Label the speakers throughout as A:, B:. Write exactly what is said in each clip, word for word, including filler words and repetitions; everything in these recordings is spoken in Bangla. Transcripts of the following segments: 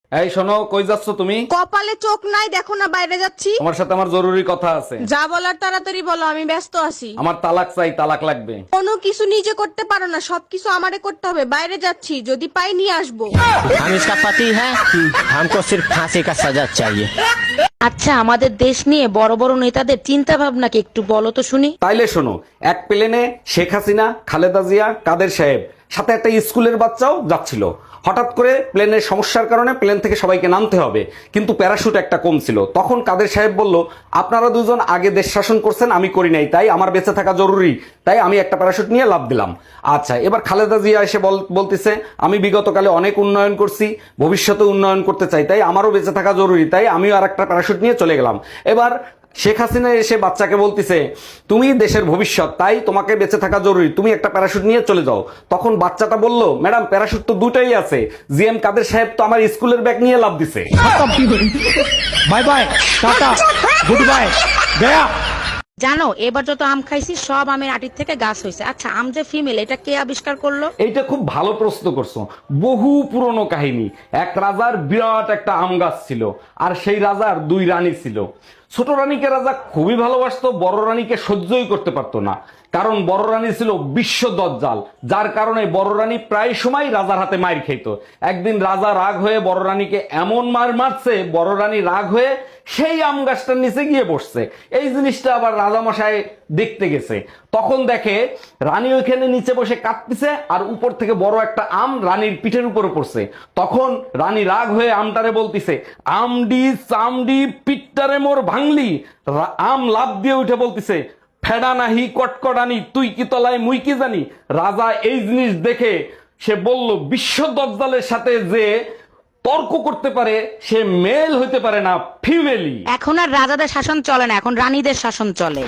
A: এই শোনো, কই যাচ্ছ তুমি?
B: কপালে চোখ নাই দেখো না বাইরে যাচ্ছি।
A: তোমার সাথে আমার জরুরি কথা আছে।
B: যা বলার তাড়াতাড়ি বলো, আমি ব্যস্ত আছি।
A: আমার তালাক চাই, তালাক লাগবে।
B: কোনো কিছু নিজে করতে পারো না, সবকিছু আমারে করতে হবে। বাইরে যাচ্ছি, যদি পাই নিয়ে আসবো।
C: हम इसका पति है, हमको सिर्फ फांसी का सजा चाहिए।
D: আচ্ছা, আমাদের দেশ নিয়ে বড় বড় নেতাদের চিন্তা ভাবনা কি একটু বলো তো শুনি।
A: তাইলে শোনো, এক প্লেনে শেখ হাসিনা, খালেদা জিয়া, কাদের সাহেব, সাথে একটা স্কুলের বাচ্চাও যাচ্ছিল। হঠাৎ করে প্লেনের সমস্যার কারণে প্লেন থেকে সবাইকে নামতে হবে, কিন্তু প্যারাশুট একটা কম ছিল। তখন কাদের সাহেব বলল, আপনারা দুজন আগে দেশ শাসন করছেন, আমি করি নাই, তাই আমার বেঁচে থাকা জরুরি, তাই আমি একটা প্যারাশুট নিয়ে লাফ দিলাম। আচ্ছা, এবার খালেদা জিয়া এসে বল- বলতেছে, আমি বিগত কালে অনেক উন্নয়ন করছি, ভবিষ্যতে উন্নয়ন করতে চাই, তাই আমারও বেঁচে থাকা জরুরি, তাই আমিও আর একটা প্যারাশুট নিয়ে চলে গেলাম। এবার শেখ হাসিনা এসে বাচ্চাকে বলতিছে, তুমি দেশের ভবিষ্যৎ, তাই তোমাকে বেঁচে থাকা জরুরি, তুমি একটা প্যারাশুট নিয়ে চলে যাও। তখন বাচ্চাটা বলল, ম্যাডাম প্যারাশুট তো দুটাই আছে, জি এম কাদের সাহেব তো আমার স্কুলের ব্যাগ নিয়ে লাভ দিছে।
C: Bye bye tata good bye गया।
D: জানো, এবার যত আম খাইছি সব আমের আটির থেকে গাছ হয়েছে। আচ্ছা, আম যে ফিমেল, এটা কে আবিষ্কার করলো?
A: এইটা খুব ভালো প্রশ্ন করছো। বহু পুরনো কাহিনী। এক রাজার বিরাট একটা আম গাছ ছিল, আর সেই রাজার দুই রানী ছিল। ছোট রানীকে রাজা খুবই ভালোবাসতো, বড় রানীকে সহ্যই করতে পারতো না, কারণ বড় রানী ছিল বিশ্ব দজ্জাল, যার কারণে বড় রানী প্রায় সময় রাজার হাতে মার খেত। একদিন রাজা রাগ হয়ে বড় রানীকে এমন মার মারছে, বড় রানী রাগ হয়ে সেই আম গাছটার নিচে গিয়ে বসছে। এই জিনিসটা আবার রাজামশাই দেখতে গেছে। তখন দেখে রানী ওইখানে নিচে বসে কাঁদতেছে, আর উপর থেকে বড় একটা আম রানীর পিঠের উপরে পড়ছে। তখন রানী রাগ হয়ে আমটারে বলতিছে, আমডি চামডি পিঠটারে মোর ভাঙলি। রা- আম লাফ দিয়ে উঠে বলতিছে, ফেডা নাহি কটকটানি, তুই কি তলায় মুই কি জানি। রাজা এই জিনিস দেখে সে বলল, বিশ্ব দজ্জালের সাথে যে তর্ক করতে পারে সে মেল হইতে পারে না, ফিমেলি।
D: এখন আর রাজাদের শাসন চলে না, এখন রানীদের শাসন চলে।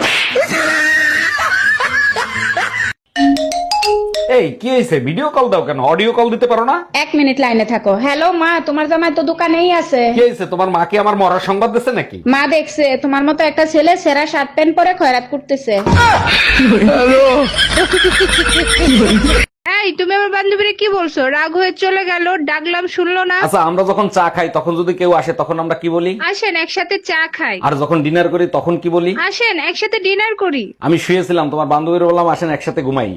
A: এই কি হয়েছে? ভিডিও কল দাও কেন? অডিও কল দিতে পারো না?
E: এক মিনিট লাইনে থাকো। হ্যালো মা, তোমার জামাই তো দোকানেই আছে।
A: কি হয়েছে? তোমার মা কি আমার মরার সংবাদ দিচ্ছে নাকি?
E: মা দেখছে তোমার মতো একটা ছেলে সেরা শার্ট প্যান্ট পরে খয়রাত করতেছে। এই তুমি আমার বান্ধবীরে কি বলছো? রাগ হয়ে চলে গেল, ডাকলাম শুনলো না।
A: আচ্ছা, আমরা যখন চা খাই তখন যদি কেউ আসে তখন আমরা কি বলি?
E: আসেন একসাথে চা খাই।
A: আর যখন ডিনার করি তখন কি বলি?
E: আসেন একসাথে ডিনার করি।
A: আমি শুয়েছিলাম, তোমার বান্ধবীর বললাম আসেন একসাথে ঘুমাই।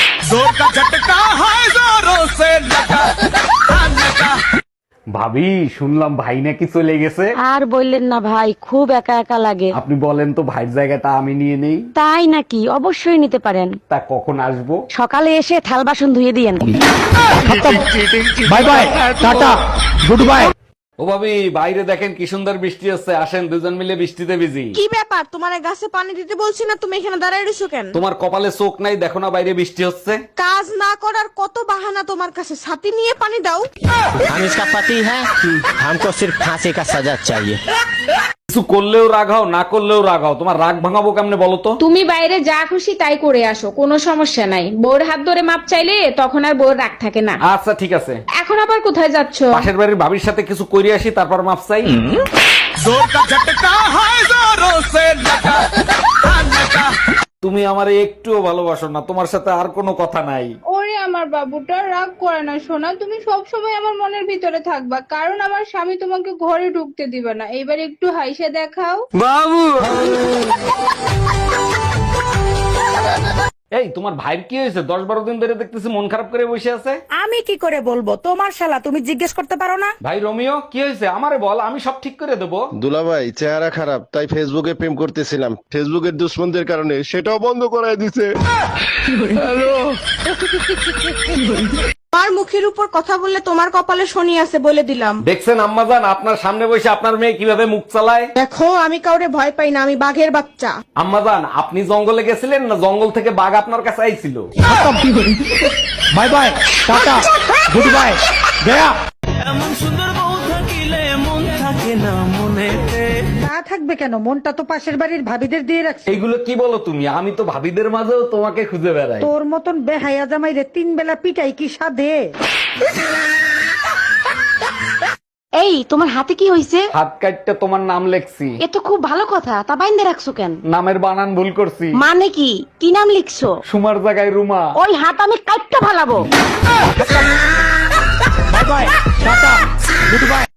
A: ভাবি, শুনলাম ভাই নাকি চলে গেছে।
D: আর বললেন না ভাই, খুব একা একা লাগে।
A: আপনি বলেন তো ভাইয়ের জায়গাটা আমি নিয়ে নেই।
D: তাই নাকি? অবশ্যই নিতে পারেন।
A: তা কখন আসবো?
D: সকালে এসে থাল বাসন ধুয়ে দিয়েন।
C: Bye bye tata good bye.
A: ও ভাবি, বাইরে দেখেন কি সুন্দর বৃষ্টি হচ্ছে, আসেন দুজন মিলে বৃষ্টিতে ভিজি।
B: কি ব্যাপার, তোমার গাছে পানি দিতে বলছি না, তুমি এখানে দাঁড়ায় রইছো কেন?
A: তোমার কপালে চোখ নাই, দেখো না বাইরে বৃষ্টি হচ্ছে।
B: কাজ না করার কত বাহানা তোমার কাছে, ছাতি নিয়ে পানি দাও।
C: हम इसका पति है, हमको सिर्फ फांसी का सजा चाहिए।
A: কিছু করলেও রাগ হও, না করলেও রাগ হও, তোমার রাগ ভাঙাবো কেমনে বলো তো?
E: তুমি বাইরে যা খুশি তাই করে আসো, কোনো সমস্যা নাই। বউর হাত ধরে মাপ চাইলে তখন আর বউর রাগ থাকে না।
A: আচ্ছা ঠিক আছে,
E: এখন আবার কোথায় যাচ্ছো?
A: পাশের বাড়ির ভাবির সাথে কিছু করে আসি, তারপর মাপ চাই। তুমি আমারে একটুও ভালোবাসো না, তোমার সাথে আর কোনো কথা নাই।
E: ওরে আমার বাবুটা, রাগ করে না সোনা, তুমি সব সময় আমার মনের ভিতরে থাকবা, কারণ আমার স্বামী তোমাকে ঘরে ঢুকতে দিবে না। এবার একটু হাইসে দেখাও।
A: এই তোমার ভাইয়ের কি হয়েছে? দশ বারো দিন ধরে দেখতেছি মন খারাপ করে বসে আছে।
F: আমি কি করে বলবো? তোমার শালা, তুমি জিজ্ঞেস করতে পারো না?
A: ভাই রোমিও, কি হয়েছে আমারে বল, আমি সব ঠিক করে দেবো।
G: দুলাভাই চেহারা খারাপ, তাই ফেসবুকে প্রেম করতেছিলাম, ফেসবুকের দুশ্মনদের কারণে সেটাও বন্ধ করায় দিছে।
B: আমার মুখের উপর কথা বললে তোমার কপালে শনি আছে বলে দিলাম।
A: দেখছেন আম্মাজান, আপনার সামনে বসে আপনার মেয়ে কিভাবে মুখ চালায়।
B: দেখো, আমি কাউরে ভয় পাই না, আমি বাঘের বাচ্চা।
A: আম্মাজান, আপনি জঙ্গলে গেছিলেন না জঙ্গল থেকে বাঘ আপনার কাছে আইছিল?
C: Bye bye tata good bye गया।
F: তা থাকবে কেন? মনটা তো পাশের বাড়ির ভাবিদের দিয়ে রাখছে।
A: এইগুলো কি বলো তুমি? আমি তো ভাবিদের মাঝেও তোমাকে খুঁজে বেড়াই।
F: তোর মতন বেহায়া জামাই রে তিন বেলা পিটাই কি সাধে?
D: এই, তোমার হাতে কি হয়েছে?
A: হাত কাটতে তোমার নাম লেখছি।
D: এ তো খুব ভালো কথা, তা বাইন্দে রাখছো কেন?
A: নামের বানান ভুল করছি,
D: মানে কি? কি নাম লিখছো?
A: সুমার জায়গায় রুমা।
D: ওই হাত আমি কাটতে ফালাবো।
C: Bye bye tata good bye.